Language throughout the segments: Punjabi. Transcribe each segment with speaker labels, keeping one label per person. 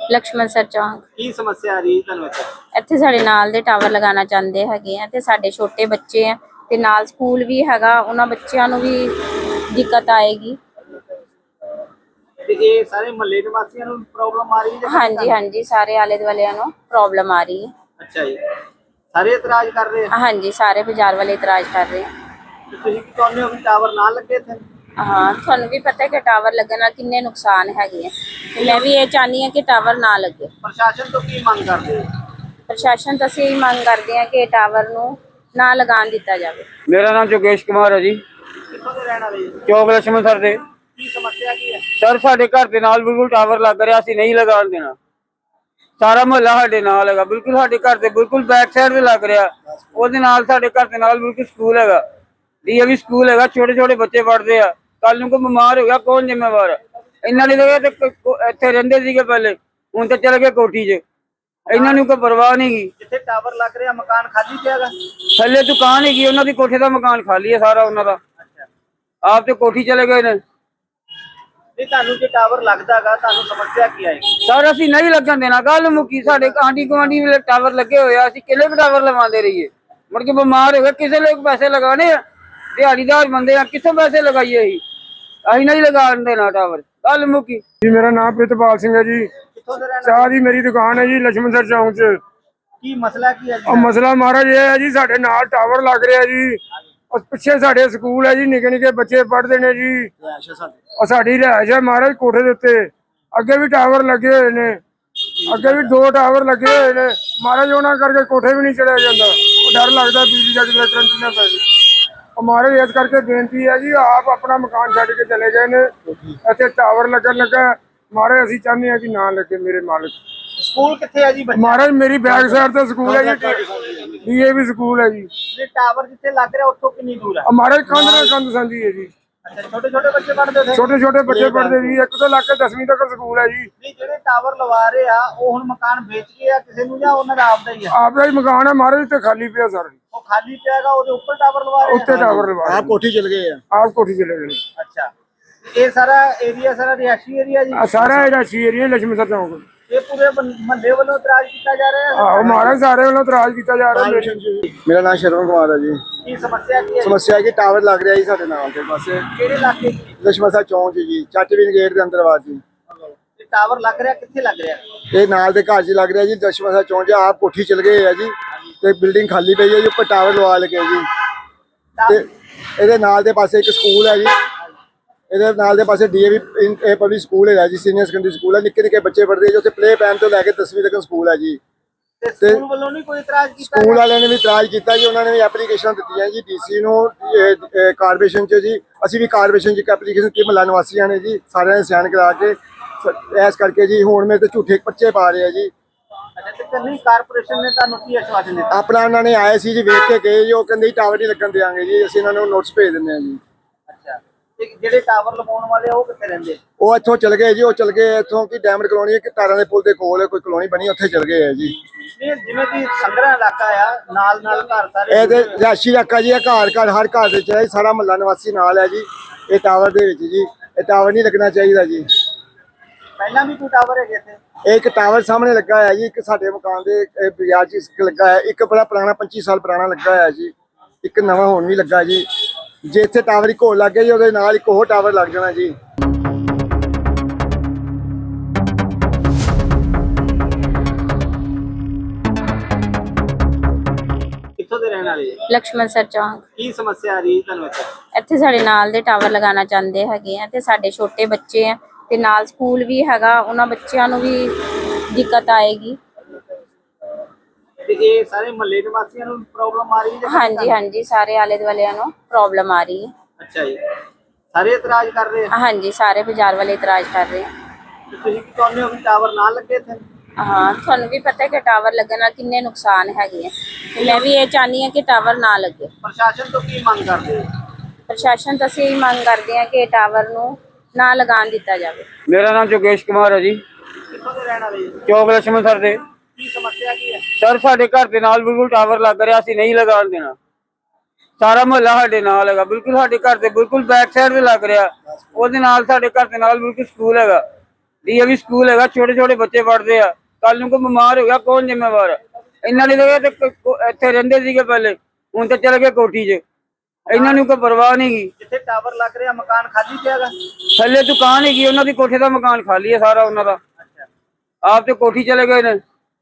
Speaker 1: ਲਕਸ਼ਮਣ ਸਰ ਚੌਂਕ।
Speaker 2: ਕੀ ਸਮੱਸਿਆ ਆ ਰਹੀ ਤੁਹਾਨੂੰ
Speaker 1: ਇੱਥੇ ਸਾਡੇ ਨਾਲ ਦੇ ਟਾਵਰ ਲਗਾਉਣਾ ਚਾਹੁੰਦੇ ਹੈਗੇ ਆ ਤੇ ਸਾਡੇ ਛੋਟੇ ਬੱਚੇ ਆ ਤੇ ਨਾਲ ਸਕੂਲ ਵੀ ਹੈਗਾ, ਉਹਨਾਂ ਬੱਚਿਆਂ ਨੂੰ ਵੀ ਦਿੱਕਤ ਆਏਗੀ।
Speaker 2: ਤੇ ਇਹ ਸਾਰੇ ਮਹੱਲੇ ਨਿਵਾਸੀਆਂ ਨੂੰ ਪ੍ਰੋਬਲਮ ਆ ਰਹੀ ਹੈ?
Speaker 1: ਹਾਂਜੀ ਹਾਂਜੀ, ਸਾਰੇ ਆਲੇ ਦੁਆਲਿਆਂ ਨੂੰ ਪ੍ਰੋਬਲਮ ਆ ਰਹੀ ਹੈ।
Speaker 2: ਅੱਛਾ ਜੀ, ਸਾਰੇ ਇਤਰਾਜ਼ ਕਰ ਰਹੇ ਆ?
Speaker 1: ਹਾਂਜੀ, ਸਾਰੇ ਬਾਜ਼ਾਰ ਵਾਲੇ ਇਤਰਾਜ਼ ਕਰ ਰਹੇ ਆ।
Speaker 2: ਤੇ ਤੁਸੀਂ ਕੀ ਚਾਹੁੰਦੇ ਹੋ ਕਿ ਟਾਵਰ ਨਾ ਲੱਗੇ ਇੱਥੇ?
Speaker 1: ਹਾਂ, ਤੁਹਾਨੂੰ ਵੀ ਪਤਾ ਹੈ ਕਿ ਟਾਵਰ ਲੱਗਣ ਨਾਲ ਕਿੰਨੇ ਨੁਕਸਾਨ ਹੈਗੇ ਆ ਤੇ ਮੈਂ ਵੀ ਇਹ ਚਾਹੁੰਦੀ ਹਾਂ ਕਿ ਟਾਵਰ ਨਾ ਲੱਗੇ।
Speaker 2: ਪ੍ਰਸ਼ਾਸਨ ਤੋਂ ਕੀ ਮੰਗ ਕਰਦੇ ਹੋ?
Speaker 1: ਪ੍ਰਸ਼ਾਸਨ ਤੋਂ ਅਸੀਂ ਇਹ ਮੰਗ ਕਰਦੇ ਹਾਂ ਕਿ ਟਾਵਰ ਨੂੰ ਨਾ ਲਗਾਉਣ ਦਿੱਤਾ ਜਾਵੇ।
Speaker 3: मेरा नाम जोगेश कुमार है जी।
Speaker 2: ਕਿੱਥੋਂ ਦੇ ਰਹਿਣ ਵਾਲੇ ਜੀ?
Speaker 3: चौक लक्ष्मण सर दे
Speaker 2: ਕੀ ਸਮੱਸਿਆ ਕੀ ਹੈ?
Speaker 3: सर साडे घर दे नाल बिल्कुल टावर लग रहा, ਅਸੀਂ नहीं लगान देना। सारा मोहल्ला साडे नाल हैगा, बिल्कुल साडे घर दे बिल्कुल बैक साइड ते लग रहा। ਉਹਦੇ ਨਾਲ ਸਾਡੇ ਘਰ ਦੇ ਨਾਲ ਬਿਲਕੁਲ ਸਕੂਲ ਹੈਗਾ, ਡੀਏਵੀ ਸਕੂਲ ਹੈਗਾ, ਛੋਟੇ ਛੋਟੇ ਬੱਚੇ ਪੜ੍ਹਦੇ ਆ। ਕੱਲ ਨੂੰ ਕੋਈ ਬਿਮਾਰ ਹੋ ਗਿਆ ਕੌਣ ਜ਼ਿੰਮੇਵਾਰ? ਇਹਨਾਂ ਨੇ ਤਾਂ ਇੱਥੇ ਰਹਿੰਦੇ ਸੀਗੇ ਪਹਿਲੇ, ਹੁਣ ਤਾਂ ਚਲੇ ਗਏ ਕੋਠੀ 'ਚ। ਇਹਨਾਂ ਨੂੰ ਕੋਈ ਪਰਵਾਹ ਨਹੀਂ ਗੀ।
Speaker 2: ਜਿੱਥੇ ਟਾਵਰ ਲੱਗ ਰਿਹਾ ਮਕਾਨ ਖਾਲੀ ਪਿਆ ਹੈਗਾ?
Speaker 3: ਥੱਲੇ ਦੁਕਾਨ ਹੈਗੀ ਉਹਨਾਂ ਦੀ, ਕੋਠੇ ਦਾ ਮਕਾਨ ਖਾਲੀ ਹੈ ਸਾਰਾ ਉਹਨਾਂ ਦਾ।
Speaker 2: ਅੱਛਾ,
Speaker 3: ਆਪ ਤੇ ਕੋਠੀ ਚਲੇ ਗਏ ਨੇ।
Speaker 2: ਤੇ ਤੁਹਾਨੂੰ ਜੇ ਟਾਵਰ ਲੱਗਦਾਗਾ ਤੁਹਾਨੂੰ ਸਮੱਸਿਆ ਕੀ ਆਏਗੀ?
Speaker 3: ਸਰ ਅਸੀਂ ਨਹੀਂ ਲੱਗਣ ਦੇਣਾ, ਗੱਲ ਮੁੱਕੀ। ਸਾਡੇ ਆਂਢੀ ਗੁਆਂਢੀ ਵੇਲੇ ਟਾਵਰ ਲੱਗੇ ਹੋਏ ਆ, ਅਸੀਂ ਕਿੰਨੇ ਟਾਵਰ ਲਗਵਾਉਂਦੇ ਰਹੀਏ? ਮੁੜ ਕੇ ਬਿਮਾਰ ਹੋ ਗਏ, ਕਿਸੇ ਲੋਕ ਪੈਸੇ ਲਗਾਣੇ ਆ, ਦਿਹਾੜੀਦਾਰ ਬੰਦੇ ਆ, ਕਿੱਥੋਂ ਪੈਸੇ ਲਗਾਈਏ? ਅਸੀਂ ਨਹੀਂ ਲਗਾਉਣ ਦੇਣਾ ਟਾਵਰ, ਗੱਲ ਮੁੱਕੀ।
Speaker 4: ਜੀ ਮੇਰਾ ਨਾਮ ਪ੍ਰਿਤਪਾਲ ਸਿੰਘ ਹੈ ਜੀ।
Speaker 2: ਕਿੱਥੋਂ ਦੇ ਰਹਿਣ
Speaker 4: ਚਾਹ
Speaker 2: ਵਾਲੇ?
Speaker 4: ਦੀ ਮੇਰੀ ਦੁਕਾਨ ਹੈ ਜੀ ਲక్ష్మణ ਸਰ ਚੌਂਕ 'ਚ।
Speaker 2: ਕੀ ਮਸਲਾ ਕੀ ਹੈ ਜੀ?
Speaker 4: ਉਹ ਮਸਲਾ ਮਹਾਰਾਜ ਇਹ ਹੈ ਜੀ, ਸਾਡੇ ਨਾਲ ਟਾਵਰ ਲੱਗ ਰਿਹਾ ਜੀ। ਉਹ ਪਿੱਛੇ ਸਾਡੇ ਸਕੂਲ ਹੈ ਜੀ, ਨਿੱਕੇ ਨਿੱਕੇ ਬੱਚੇ ਪੜ੍ਹਦੇ ਨੇ ਜੀ। ਉਹ ਸਾਡੀ ਰਿਹਾਇਸ਼ ਹੈ ਮਹਾਰਾਜ ਕੋਠੇ ਦੇ ਉੱਤੇ। ਅੱਗੇ ਵੀ ਟਾਵਰ ਲੱਗੇ ਹੋਏ ਨੇ, ਅੱਗੇ ਵੀ 2 ਟਾਵਰ ਲੱਗੇ ਹੋਏ ਨੇ ਮਹਾਰਾਜ। ਉਹਨਾਂ ਕਰਕੇ ਕੋਠੇ ਵੀ ਨਹੀਂ ਚੜਿਆ ਜਾਂਦਾ, ਉਹ ਡਰ ਲੱਗਦਾ ਬਿਜਲੀ ਦਾ ਕਿਤੇ ਕਰੰਟ ਨਾ ਪੈ ਜਾਵੇ। ਉਹ ਮਹਾਰਾਜ ਇਸ ਕਰਕੇ ਬੇਨਤੀ ਹੈ ਜੀ, ਆਪ ਆਪਣਾ ਮਕਾਨ ਛੱਡ ਕੇ ਚਲੇ ਗਏ ਨੇ, ਇੱਥੇ ਟਾਵਰ ਲੱਗਣ ਲੱਗਾ। ਮਹਾਰਾਜ ਅਸੀਂ ਚਾਹੁੰਦੇ ਹਾਂ ਕਿ ਨਾ ਲੱਗੇ ਮੇਰੇ ਮਾਲਕ।
Speaker 2: ਸਕੂਲ ਕਿੱਥੇ ਹੈ ਜੀ ਬੱਚਾ?
Speaker 4: ਮਹਾਰਾਜ ਮੇਰੀ ਬੈਕ ਸਾਈਡ ਤੇ ਸਕੂਲ ਹੈ ਜੀ, ਡੀਏਵੀ ਸਕੂਲ ਹੈ ਜੀ।
Speaker 2: ਜੇ ਟਾਵਰ ਜਿੱਥੇ ਲੱਗ ਰਿਹਾ ਉੱਥੋਂ ਕਿੰਨੀ ਦੂਰ ਹੈ?
Speaker 4: ਮਹਾਰਾਜ ਕੰਧ ਨਾਲ ਕੰਧ ਸਾਂਝੀ ਹੈ ਜੀ।
Speaker 2: ਅੱਛਾ, ਛੋਟੇ ਛੋਟੇ ਬੱਚੇ ਪੜ੍ਹਦੇ ਉੱਥੇ?
Speaker 4: ਛੋਟੇ ਛੋਟੇ ਬੱਚੇ ਪੜ੍ਹਦੇ ਜੀ, ਇੱਕ ਤੋਂ ਲੱਗ ਕੇ 10ਵੀਂ ਤੱਕ ਸਕੂਲ ਹੈ ਜੀ।
Speaker 2: ਨਹੀਂ, ਜਿਹੜੇ ਟਾਵਰ ਲਵਾ ਰਹੇ ਆ ਉਹ ਹੁਣ ਮਕਾਨ ਵੇਚ ਗਏ ਆ ਕਿਸੇ ਨੂੰ ਜਾਂ ਉਹਨਾਂ ਦਾ ਆਪਦਾ ਹੀ ਆ?
Speaker 4: ਆਪਦਾ ਹੀ ਮਕਾਨ ਹੈ ਮਹਾਰਾਜ, ਤੇ ਖਾਲੀ ਪਿਆ ਸਰ।
Speaker 2: ਉਹ ਖਾਲੀ ਪਿਆਗਾ, ਉਹਦੇ ਉੱਪਰ ਟਾਵਰ ਲਵਾ ਰਹੇ ਆ?
Speaker 4: ਉੱਤੇ ਟਾਵਰ ਲਵਾ
Speaker 5: ਆਪ ਕੋਠੀ ਚਲ ਗਏ ਆ।
Speaker 4: ਆਪ ਕੋਠੀ ਚਲੇ ਗਏ।
Speaker 2: ਅੱਛਾ, ਇਹ ਸਾਰਾ ਏਰੀਆ ਸਾਰਾ ਰਿਹਾਇਸ਼ੀ ਏਰੀਆ ਜੀ?
Speaker 4: ਸਾਰਾ ਇਹਦਾ ਏਰੀਆ ਲక్ష్మణ ਸਰ ਚੌਂਕ।
Speaker 2: ਇਹ ਪੂਰੇ ਮਹੱਲੇ ਵੱਲੋਂ ਇਤਰਾਜ਼ ਕੀਤਾ ਜਾ ਰਿਹਾ ਹੈ?
Speaker 4: ਆਹੋ ਮਹਾਰਾਜ ਸਾਰੇ ਵੱਲੋਂ ਇਤਰਾਜ਼ ਕੀਤਾ ਜਾ ਰਿਹਾ।
Speaker 5: ਮੇਰਾ ਨਾਮ ਸ਼ਰਵਣ ਕੁਮਾਰ ਹੈ ਜੀ।
Speaker 2: ਕੀ ਸਮੱਸਿਆ ਕੀ ਹੈ?
Speaker 5: ਸਮੱਸਿਆ ਹੈ ਕਿ ਟਾਵਰ ਲੱਗ ਰਿਹਾ ਜੀ ਸਾਡੇ ਨਾਲ ਦੇ ਪਾਸੇ,
Speaker 2: ਕਿਹੜੇ ਇਲਾਕੇ 'ਚ?
Speaker 5: ਲక్ష్మణ ਸਰ ਚੌਂਕ 'ਚ ਜੀ, ਚਾਚਵੀਨ ਗੇਟ ਦੇ ਅੰਦਰ ਬਾਅਦ ਜੀ।
Speaker 2: ਇਹ ਟਾਵਰ ਲੱਗ ਰਿਹਾ ਕਿੱਥੇ ਲੱਗ ਰਿਹਾ?
Speaker 5: ਇਹ ਨਾਲ ਦੇ ਘਰ 'ਚ ਲੱਗ ਰਿਹਾ ਜੀ, ਲక్ష్మణ ਸਰ ਚੌਂਕ 'ਚ। ਆਪ ਕੋਠੀ ਚਲ ਗਏ ਆ ਜੀ, ਤੇ ਬਿਲਡਿੰਗ ਖਾਲੀ ਪਈ ਹੈ ਜੀ, ਉੱਪਰ ਟਾਵਰ ਲਵਾ ਲਗੇ ਜੀ। ਤੇ ਇਹਦੇ ਨਾਲ ਦੇ ਪਾਸੇ ਇੱਕ ਸਕੂਲ ਹੈ ਜੀ, ਇਹਦੇ ਨਾਲ ਦੇ ਪਾਸੇ ਡੀਏਵੀ ਪਬਲਿਕ ਸਕੂਲ ਹੈਗਾ ਜੀ, ਸੀਨੀਅਰ ਸੈਕੰਡਰੀ ਸਕੂਲ ਹੈ। ਨਿੱਕੇ ਨਿੱਕੇ ਬੱਚੇ ਪੜ੍ਹਦੇ ਜੀ ਉੱਥੇ, ਪਲੇ ਪੈਨ ਤੋਂ ਲੈ ਕੇ 10ਵੀਂ ਤੱਕ ਸਕੂਲ ਹੈ ਜੀ।
Speaker 2: ਤੇ ਸਕੂਲ ਵੱਲੋਂ ਨਹੀਂ ਕੋਈ ਇਤਰਾਜ਼ ਕੀਤਾ?
Speaker 5: ਸਕੂਲ ਵਾਲਿਆਂ ਨੇ ਵੀ ਇਤਰਾਜ਼ ਕੀਤਾ ਜੀ, ਉਹਨਾਂ ਨੇ ਵੀ ਐਪਲੀਕੇਸ਼ਨ ਦਿੱਤੀਆਂ ਜੀ ਡੀਸੀ ਨੂੰ, ਕਾਰਪੋਰੇਸ਼ਨ 'ਚ ਜੀ। ਅਸੀਂ ਵੀ ਕਾਰਪੋਰੇਸ਼ਨ 'ਚ ਇੱਕ ਐਪਲੀਕੇਸ਼ਨ ਦਿੱਤੀ ਮਹੱਲਾ ਨਿਵਾਸੀਆਂ ਨੇ ਜੀ, ਸਾਰਿਆਂ ਨੇ ਸਾਈਨ ਕਰਾ ਕੇ। ਇਸ ਕਰਕੇ ਜੀ ਹੁਣ ਮੇਰੇ ਤੇ ਝੂਠੇ ਪਰਚੇ ਪਾ ਰਹੇ ਆ ਜੀ।
Speaker 2: ਅੱਛਾ, ਤੇ ਕੰਨੀ ਕਾਰਪੋਰੇਸ਼ਨ ਨੇ ਤੁਹਾਨੂੰ ਕੀ ਆਸ਼ਵਾਸਨ ਦਿੱਤਾ?
Speaker 5: ਆਪਣਾ ਉਹਨਾਂ ਨੇ ਆਏ ਸੀ ਜੀ, ਵੇਖ ਕੇ ਗਏ ਜੀ। ਉਹ ਕਹਿੰਦੇ ਟਾਵਰ ਨਹੀਂ ਲੱਗਣ ਦਿਆਂਗੇ ਜੀ, ਅਸੀਂ ਇਹਨਾਂ ਨੂੰ ਨੋਟਿਸ ਭੇਜ ਦਿੰਦੇ ਹਾਂ ਜੀ।
Speaker 2: ਅੱਛਾ, ਤੇ ਜਿਹੜੇ ਟਾਵਰ ਲਗਾਉਣ ਵਾਲੇ ਆ ਉਹ ਕਿੱਥੇ ਰਹਿੰਦੇ?
Speaker 5: ਉਹ ਇੱਥੋਂ ਚਲ ਗਏ ਜੀ, ਉਹ ਚਲ ਗਏ ਇੱਥੋਂ ਕਿ ਡਾਇਮੰਡ ਕਲੋਨੀ, ਇੱਕ ਤਾਰਾਂ ਦੇ ਪੁਲ ਦੇ ਕੋਲ ਕੋਈ ਕਲੋਨੀ ਬਣੀ, ਉੱਥੇ ਚਲ ਗਏ ਆ ਜੀ।
Speaker 2: ਨਹੀਂ, ਜਿਵੇਂ ਕਿ ਸੰਗਰਾ ਇਲਾਕਾ ਆ, ਨਾਲ ਨਾਲ ਘਰ ਸਾਰੇ
Speaker 5: ਇਹ ਤੇ ਰਿਹਾਇਸ਼ੀ ਇਲਾਕਾ ਜੀ, ਇਹ ਘਰ ਘਰ ਹਰ ਘਰ ਦੇ ਵਿੱਚ ਸਾਰਾ ਮਹੱਲਾ ਨਿਵਾਸੀ ਨਾਲ ਹੈ ਜੀ ਇਹ ਟਾਵਰ ਦੇ ਵਿੱਚ ਜੀ। ਇਹ ਟਾਵਰ ਨਹੀਂ ਲੱਗਣਾ ਚਾਹੀਦਾ ਜੀ।
Speaker 2: ਪਹਿਲਾਂ ਵੀ ਕੋਈ ਟਾਵਰ ਹੈਗੇ ਇੱਥੇ?
Speaker 5: ਇਹ ਇੱਕ ਟਾਵਰ ਸਾਹਮਣੇ ਲੱਗਾ ਹੋਇਆ ਜੀ, ਇੱਕ ਸਾਡੇ ਮਕਾਨ ਦੇ ਬਾਜ਼ਾਰ 'ਚ ਇੱਕ ਲੱਗਾ ਹੋਇਆ, ਇੱਕ ਬੜਾ ਪੁਰਾਣਾ 25 ਸਾਲ ਪੁਰਾਣਾ ਲੱਗਾ ਹੋਇਆ ਜੀ, ਇੱਕ ਨਵਾਂ ਹੁਣ ਵੀ ਲੱਗਾ ਜੀ। ਜੇ ਇੱਥੇ ਟਾਵਰ ਇੱਕ ਹੋਰ ਲੱਗ ਗਿਆ ਜੀ, ਉਹਦੇ ਨਾਲ ਇੱਕ ਹੋਰ ਟਾਵਰ ਲੱਗ ਜਾਣਾ ਜੀ।
Speaker 2: ਕਿੱਥੋਂ ਦੇ ਰਹਿਣ ਵਾਲੇ?
Speaker 1: ਲਕਸ਼ਮਣ ਸਰ ਚੌਂਕ।
Speaker 2: ਕੀ ਸਮੱਸਿਆ ਆ ਰਹੀ ਤੁਹਾਨੂੰ
Speaker 1: ਇੱਥੇ ਸਾਡੇ ਨਾਲ ਦੇ ਟਾਵਰ ਲਗਾਉਣਾ ਚਾਹੁੰਦੇ ਹੈਗੇ ਆ ਤੇ ਸਾਡੇ ਛੋਟੇ ਬੱਚੇ ਆ ਤੇ ਨਾਲ ਸਕੂਲ ਵੀ ਹੈਗਾ, ਉਹਨਾਂ ਬੱਚਿਆਂ ਨੂੰ ਵੀ ਦਿੱਕਤ ਆਏਗੀ।
Speaker 2: ਤੇ ਇਹ ਸਾਰੇ ਮਹੱਲੇ ਨਿਵਾਸੀਆਂ ਨੂੰ ਪ੍ਰੋਬਲਮ ਆ ਰਹੀ ਹੈ?
Speaker 1: ਹਾਂਜੀ ਹਾਂਜੀ, ਸਾਰੇ ਆਲੇ ਦੁਆਲਿਆਂ ਨੂੰ ਪ੍ਰੋਬਲਮ ਆ ਰਹੀ ਹੈ।
Speaker 2: ਅੱਛਾ ਜੀ, ਸਾਰੇ ਇਤਰਾਜ਼ ਕਰ ਰਹੇ ਆ?
Speaker 1: ਹਾਂਜੀ, ਸਾਰੇ ਬਾਜ਼ਾਰ ਵਾਲੇ ਇਤਰਾਜ਼ ਕਰ ਰਹੇ ਆ।
Speaker 2: ਤੇ ਤੁਸੀਂ ਕੀ ਚਾਹੁੰਦੇ ਹੋ ਕਿ ਟਾਵਰ ਨਾ ਲੱਗੇ ਇੱਥੇ?
Speaker 1: ਹਾਂ, ਤੁਹਾਨੂੰ ਵੀ ਪਤਾ ਹੈ ਕਿ ਟਾਵਰ ਲੱਗਣ ਨਾਲ ਕਿੰਨੇ ਨੁਕਸਾਨ ਹੈਗੇ ਆ ਤੇ ਮੈਂ ਵੀ ਇਹ ਚਾਹੁੰਦੀ ਹਾਂ ਕਿ ਟਾਵਰ ਨਾ ਲੱਗੇ।
Speaker 2: ਪ੍ਰਸ਼ਾਸਨ ਤੋਂ ਕੀ ਮੰਗ ਕਰਦੇ ਹੋ?
Speaker 1: ਪ੍ਰਸ਼ਾਸਨ ਤੋਂ ਅਸੀਂ ਇਹ ਮੰਗ ਕਰਦੇ ਹਾਂ ਕਿ ਟਾਵਰ ਨੂੰ ਨਾ ਲਗਾਉਣ ਦਿੱਤਾ ਜਾਵੇ।
Speaker 3: मेरा नाम जोगेश कुमार है जी।
Speaker 2: ਕਿੱਥੋਂ ਦੇ ਰਹਿਣ ਵਾਲੇ ਜੀ?
Speaker 3: चौक लक्ष्मण सर दे
Speaker 2: ਕੀ ਸਮੱਸਿਆ ਕੀ ਹੈ?
Speaker 3: सर साडे घर दे नाल बिल्कुल टावर लग रहा, ਅਸੀਂ नहीं लगान देना। ਸਾਰਾ ਮੁਹੱਲਾ ਸਾਡੇ ਨਾਲ ਹੈਗਾ, ਬਿਲਕੁਲ ਸਾਡੇ ਘਰ ਦੇ ਬਿਲਕੁਲ ਬੈਕ ਸਾਈਡ ਤੇ ਲੱਗ ਰਿਹਾ। ਉਹਦੇ ਨਾਲ ਸਾਡੇ ਘਰ ਦੇ ਨਾਲ ਬਿਲਕੁਲ ਸਕੂਲ ਹੈਗਾ, ਡੀਏਵੀ ਸਕੂਲ ਹੈਗਾ, ਛੋਟੇ ਛੋਟੇ ਬੱਚੇ ਪੜ੍ਹਦੇ ਆ। ਕੱਲ ਨੂੰ ਕੋਈ ਬਿਮਾਰ ਹੋ ਗਿਆ ਕੌਣ ਜ਼ਿੰਮੇਵਾਰ ਹੈ? ਇਹਨਾਂ ਦੀ ਜਗ੍ਹਾ ਤੇ ਇੱਥੇ ਰਹਿੰਦੇ ਸੀਗੇ ਪਹਿਲੇ, ਹੁਣ ਤੇ ਚਲੇ ਗਏ ਕੋਠੀ 'ਚ। ਇਹਨਾਂ ਨੂੰ ਕੋਈ ਪਰਵਾਹ ਨਹੀਂ ਗੀ।
Speaker 2: ਜਿੱਥੇ ਟਾਵਰ ਲੱਗ ਰਿਹਾ ਮਕਾਨ ਖਾਲੀ ਪਿਆ ਹੈਗਾ।
Speaker 3: ਥੱਲੇ ਦੁਕਾਨ ਹੈਗੀ ਉਹਨਾਂ ਦੀ, ਕੋਠੇ ਦਾ ਮਕਾਨ ਖਾਲੀ ਹੈ ਸਾਰਾ ਉਹਨਾਂ ਦਾ।
Speaker 2: ਅੱਛਾ,
Speaker 3: ਆਪ ਤੇ ਕੋਠੀ ਚਲੇ ਗਏ ਨੇ।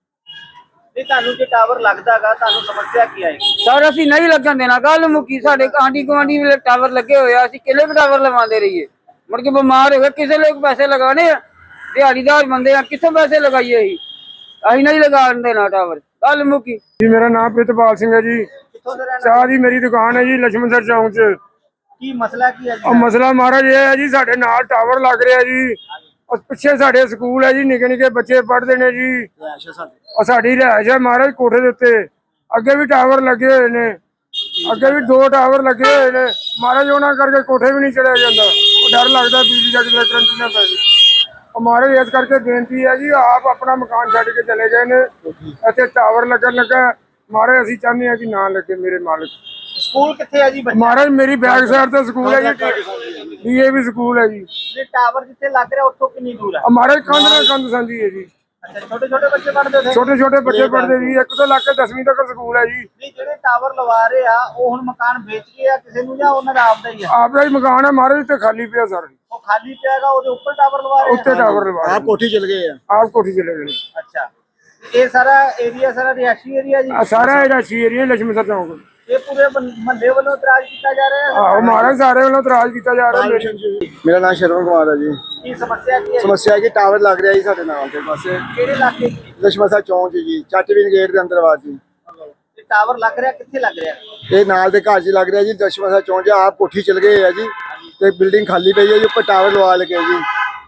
Speaker 2: ਤੇ ਤੁਹਾਨੂੰ ਜੇ ਟਾਵਰ ਲੱਗਦਾਗਾ ਤੁਹਾਨੂੰ ਸਮੱਸਿਆ ਕੀ ਆਏਗੀ?
Speaker 3: ਸਰ ਅਸੀਂ ਨਹੀਂ ਲੱਗਣ ਦੇਣਾ। ਗੱਲ ਮੁੱਕੀ, ਸਾਡੇ ਆਂਢੀ ਗੁਆਂਢੀ ਵੇਲੇ ਟਾਵਰ ਲੱਗੇ ਹੋਏ ਆ, ਅਸੀਂ ਕਿੰਨੇ ਕੁ ਟਾਵਰ ਲਗਵਾਉਂਦੇ ਰਹੀਏ? ਮੁੜ ਕੇ ਬਿਮਾਰ ਹੋ ਗਏ, ਕਿਸੇ ਲੋਕ ਪੈਸੇ ਲਗਾਣੇ ਆ, ਦਿਹਾੜੀਦਾਰ ਬੰਦੇ ਆ, ਕਿੱਥੋਂ ਪੈਸੇ ਲਗਾਈਏ? ਅਸੀਂ ਨਹੀਂ ਲਗਾਉਣ ਦੇਣਾ ਟਾਵਰ, ਗੱਲ ਮੁੱਕੀ।
Speaker 4: ਜੀ ਮੇਰਾ ਨਾਮ ਪ੍ਰਿਤਪਾਲ ਸਿੰਘ ਹੈ ਜੀ।
Speaker 2: ਕਿੱਥੋਂ ਦੇ ਰਹਿਣਾ?
Speaker 4: ਚਾਹ ਦੀ ਮੇਰੀ ਦੁਕਾਨ ਹੈ ਜੀ ਲక్ష్మణਸਰ ਚੌਂਕ 'ਚ।
Speaker 2: ਕੀ ਮਸਲਾ ਕੀ ਹੈ ਜੀ?
Speaker 4: ਉਹ ਮਸਲਾ ਮਹਾਰਾਜ ਇਹ ਹੈ ਜੀ, ਸਾਡੇ ਨਾਲ ਟਾਵਰ ਲੱਗ ਰਿਹਾ ਜੀ। ਉਹ ਪਿੱਛੇ ਸਾਡੇ ਸਕੂਲ ਹੈ ਜੀ, ਨਿੱਕੇ ਨਿੱਕੇ ਬੱਚੇ ਪੜ੍ਹਦੇ ਨੇ ਜੀ।
Speaker 2: ਅੱਛਾ ਸਾਡੇ
Speaker 4: ਉਹ ਸਾਡੀ ਰਿਹਾਇਸ਼ ਹੈ ਮਹਾਰਾਜ ਕੋਠੇ ਦੇ ਉੱਤੇ। ਅੱਗੇ ਵੀ ਟਾਵਰ ਲੱਗੇ ਹੋਏ ਨੇ, ਅੱਗੇ ਵੀ 2 ਟਾਵਰ ਲੱਗੇ ਹੋਏ ਨੇ ਮਹਾਰਾਜ। ਉਹਨਾਂ ਕਰਕੇ ਕੋਠੇ ਵੀ ਨਹੀਂ ਚੜਿਆ ਜਾਂਦਾ। ਉਹ ਡਰ ਲੱਗਦਾ ਬਿਜਲੀ ਦਾ ਕਿਤੇ ਕਰੰਟ ਨਾ ਪੈ ਜਾਵੇ। ਉਹ ਮਹਾਰਾਜ ਇਸ ਕਰਕੇ ਬੇਨਤੀ ਹੈ ਜੀ, ਆਪ ਆਪਣਾ ਮਕਾਨ ਛੱਡ ਕੇ ਚਲੇ ਗਏ ਨੇ। ਇੱਥੇ ਟਾਵਰ ਲੱਗਣ ਲੱਗਾ ਮਹਾਰਾਜ, ਅਸੀਂ ਚਾਹੁੰਦੇ ਹਾਂ ਕਿ ਨਾ ਲੱਗੇ ਮੇਰੇ ਮਾਲਕ।
Speaker 2: ਸਕੂਲ ਕਿੱਥੇ ਹੈ ਜੀ ਬੱਚਾ?
Speaker 4: ਮਹਾਰਾਜ ਮੇਰੀ ਬੈਕ ਸਾਈਡ ਤੇ ਸਕੂਲ ਹੈ ਜੀ, ਡੀਏਵੀ ਸਕੂਲ ਹੈ ਜੀ।
Speaker 2: ਜੇ ਟਾਵਰ ਜਿੱਥੇ ਲੱਗ ਰਿਹਾ ਉੱਥੋਂ ਕਿੰਨੀ ਦੂਰ ਹੈ?
Speaker 4: ਮਹਾਰਾਜ ਕੰਧ ਨਾਲ ਕੰਧ ਸਾਂਝੀ ਹੈ ਜੀ।
Speaker 2: ਅੱਛਾ, ਛੋਟੇ ਛੋਟੇ ਬੱਚੇ ਪੜ੍ਹਦੇ ਉੱਥੇ?
Speaker 4: ਛੋਟੇ ਛੋਟੇ ਬੱਚੇ ਪੜ੍ਹਦੇ ਜੀ, ਇੱਕ ਤੋਂ ਲੱਗ ਕੇ 10ਵੀਂ ਤੱਕ ਸਕੂਲ ਹੈ ਜੀ।
Speaker 2: ਨਹੀਂ, ਜਿਹੜੇ ਟਾਵਰ ਲਵਾ ਰਹੇ ਆ ਉਹ ਹੁਣ ਮਕਾਨ ਵੇਚ ਗਏ ਆ ਕਿਸੇ ਨੂੰ ਜਾਂ ਉਹਨਾਂ ਦਾ ਆਪਦਾ ਹੀ ਆ?
Speaker 4: ਆਪਦਾ ਹੀ ਮਕਾਨ ਹੈ ਮਹਾਰਾਜ, ਤੇ ਖਾਲੀ ਪਿਆ ਸਰ।
Speaker 2: ਉਹ ਖਾਲੀ ਪਿਆਗਾ, ਉਹਦੇ ਉੱਪਰ ਟਾਵਰ ਲਵਾ ਰਹੇ
Speaker 4: ਉੱਤੇ
Speaker 2: ਆ?
Speaker 4: ਟਾਵਰ ਲਵਾ
Speaker 5: ਆਪ ਕੋਠੀ ਚਲ ਗਏ ਆ।
Speaker 4: ਆਪ ਕੋਠੀ ਚਲੇ ਗਏ।
Speaker 2: ਅੱਛਾ, ਇਹ ਸਾਰਾ ਏਰੀਆ ਸਾਰਾ ਰਿਹਾਇਸ਼ੀ ਏਰੀਆ ਜੀ?
Speaker 4: ਆ ਸਾਰਾ ਇਹਦਾ ਏਰੀਆ ਲక్ష్మణਸਰ ਚੌਂਕ।
Speaker 2: ਇਹ ਪੂਰੇ ਮਹੱਲੇ ਵੱਲੋਂ ਇਤਰਾਜ਼ ਕੀਤਾ ਜਾ ਰਿਹਾ ਹੈ?
Speaker 4: ਆਹੋ ਮਹਾਰਾਜ ਸਾਰੇ ਵੱਲੋਂ ਇਤਰਾਜ਼ ਕੀਤਾ ਜਾ ਰਿਹਾ।
Speaker 5: ਮੇਰਾ ਨਾਮ ਸ਼ਰਵਣ ਕੁਮਾਰ ਹੈ ਜੀ।
Speaker 2: ਕੀ ਸਮੱਸਿਆ ਕੀ ਹੈ?
Speaker 5: ਸਮੱਸਿਆ ਹੈ ਕਿ ਟਾਵਰ ਲੱਗ ਰਿਹਾ ਜੀ ਸਾਡੇ ਨਾਲ ਦੇ ਪਾਸੇ,
Speaker 2: ਕਿਹੜੇ ਇਲਾਕੇ 'ਚ?
Speaker 5: ਲక్ష్మణਸਰ ਚੌਂਕ 'ਚ ਜੀ, ਚੱਟਵੀਨ ਗੇਟ ਦੇ ਅੰਦਰ ਬਾਅਦ ਜੀ।
Speaker 2: ਇਹ ਟਾਵਰ ਲੱਗ ਰਿਹਾ ਕਿੱਥੇ ਲੱਗ ਰਿਹਾ?
Speaker 5: ਇਹ ਨਾਲ ਦੇ ਘਰ 'ਚ ਲੱਗ ਰਿਹਾ ਜੀ, ਲక్ష్మణਸਰ ਚੌਂਕ 'ਚ। ਆਪ ਕੋਠੀ ਚਲ ਗਏ ਆ ਜੀ, ਤੇ ਬਿਲਡਿੰਗ ਖਾਲੀ ਪਈ ਹੈ ਜੀ, ਉੱਪਰ ਟਾਵਰ ਲਵਾ ਲਗੇ ਜੀ।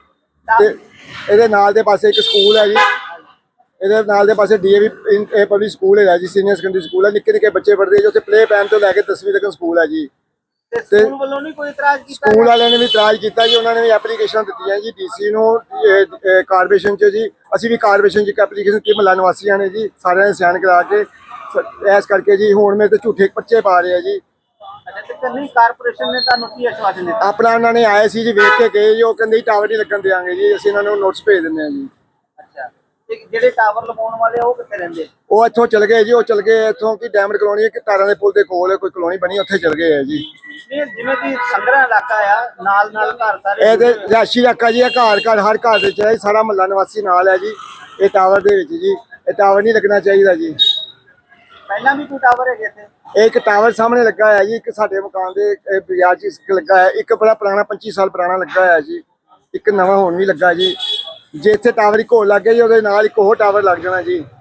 Speaker 5: ਤੇ ਇਹਦੇ ਨਾਲ ਦੇ ਪਾਸੇ ਇੱਕ ਸਕੂਲ ਹੈ ਜੀ, ਇਹਦੇ ਨਾਲ ਦੇ ਪਾਸੇ ਡੀਏਵੀ ਪਬਲਿਕ ਸਕੂਲ ਹੈਗਾ ਜੀ, ਸੀਨੀਅਰ ਸੈਕੰਡਰੀ ਸਕੂਲ ਹੈ। ਨਿੱਕੇ ਨਿੱਕੇ ਬੱਚੇ ਪੜ੍ਹਦੇ ਜੀ ਉੱਥੇ, ਪਲੇ ਪੈਨ ਤੋਂ ਲੈ ਕੇ 10ਵੀਂ ਤੱਕ ਸਕੂਲ ਹੈ ਜੀ।
Speaker 2: ਤੇ ਸਕੂਲ ਵੱਲੋਂ ਨਹੀਂ ਕੋਈ ਇਤਰਾਜ਼ ਕੀਤਾ?
Speaker 5: ਸਕੂਲ ਵਾਲਿਆਂ ਨੇ ਵੀ ਇਤਰਾਜ਼ ਕੀਤਾ ਜੀ, ਉਹਨਾਂ ਨੇ ਵੀ ਐਪਲੀਕੇਸ਼ਨ ਦਿੱਤੀਆਂ ਜੀ ਡੀਸੀ ਨੂੰ, ਕਾਰਪੋਰੇਸ਼ਨ 'ਚ ਜੀ। ਅਸੀਂ ਵੀ ਕਾਰਪੋਰੇਸ਼ਨ 'ਚ ਇੱਕ ਐਪਲੀਕੇਸ਼ਨ ਦਿੱਤੀ ਮਹੱਲਾ ਨਿਵਾਸੀਆਂ ਨੇ ਜੀ, ਸਾਰਿਆਂ ਨੇ ਸਾਈਨ ਕਰਾ ਕੇ। ਇਸ ਕਰਕੇ ਜੀ ਹੁਣ ਮੇਰੇ ਤੇ ਝੂਠੇ ਪਰਚੇ ਪਾ ਰਹੇ ਆ ਜੀ।
Speaker 2: ਅੱਛਾ, ਤੇ ਕੰਨੀ ਕਾਰਪੋਰੇਸ਼ਨ ਨੇ ਤੁਹਾਨੂੰ ਕੀ ਆਸ਼ਵਾਸਨ ਦਿੱਤਾ?
Speaker 5: ਆਪਣਾ ਉਹਨਾਂ ਨੇ ਆਏ ਸੀ ਜੀ, ਵੇਖ ਕੇ ਗਏ ਜੀ। ਉਹ ਕਹਿੰਦੇ ਜੀ ਟਾਵਰ ਨਹੀਂ ਲੱਗਣ ਦਿਆਂਗੇ ਜੀ, ਅਸੀਂ ਇਹਨਾਂ ਨੂੰ ਨੋਟਿਸ ਭੇਜ ਦਿੰਦੇ ਹਾਂ ਜੀ।
Speaker 2: ਅੱਛਾ, ਤੇ ਜਿਹੜੇ ਟਾਵਰ ਲਗਾਉਣ ਵਾਲੇ ਆ ਉਹ ਕਿੱਥੇ ਰਹਿੰਦੇ?
Speaker 5: ਉਹ ਇੱਥੋਂ ਚਲ ਗਏ ਜੀ, ਉਹ ਚਲ ਗਏ ਇੱਥੋਂ ਕਿ ਡਾਇਮੰਡ ਕਲੋਨੀ, ਇੱਕ ਤਾਰਾਂ ਦੇ ਪੁਲ ਦੇ ਕੋਲ ਕੋਈ ਕਲੋਨੀ ਬਣੀ, ਉੱਥੇ ਚਲ ਗਏ ਆ ਜੀ।
Speaker 2: ਨਹੀਂ, ਜਿਵੇਂ ਕਿ ਸੰਗਰਾ ਇਲਾਕਾ ਆ, ਨਾਲ ਨਾਲ ਘਰ ਸਾਰੇ
Speaker 5: ਇਹ ਤੇ ਰਿਹਾਇਸ਼ੀ ਇਲਾਕਾ ਜੀ, ਇਹ ਘਰ ਘਰ ਹਰ ਘਰ ਦੇ ਵਿੱਚ ਸਾਰਾ ਮਹੱਲਾ ਨਿਵਾਸੀ ਨਾਲ ਹੈ ਜੀ। ਇਹ ਟਾਵਰ ਦੇ ਵਿੱਚ ਜੀ, ਇਹ ਟਾਵਰ ਨਹੀਂ ਲੱਗਣਾ ਚਾਹੀਦਾ ਜੀ।
Speaker 2: ਪਹਿਲਾਂ ਵੀ ਕੋਈ ਟਾਵਰ ਹੈਗੇ ਇੱਥੇ?
Speaker 5: ਇਹ ਇੱਕ ਟਾਵਰ ਸਾਹਮਣੇ ਲੱਗਾ ਹੋਇਆ ਜੀ, ਇੱਕ ਸਾਡੇ ਮਕਾਨ ਦੇ ਬਾਜ਼ਾਰ 'ਚ ਇੱਕ ਲੱਗਾ ਹੋਇਆ, ਇੱਕ ਬੜਾ ਪੁਰਾਣਾ 25 ਸਾਲ ਪੁਰਾਣਾ ਲੱਗਾ ਹੋਇਆ ਜੀ, ਇੱਕ ਨਵਾਂ ਹੁਣ ਵੀ ਲੱਗਾ ਜੀ। ਜੇ ਇੱਥੇ ਟਾਵਰ ਇੱਕ ਹੋਰ ਲੱਗ ਗਿਆ ਜੀ, ਉਹਦੇ ਨਾਲ ਇੱਕ ਹੋਰ ਟਾਵਰ ਲੱਗ ਜਾਣਾ ਜੀ।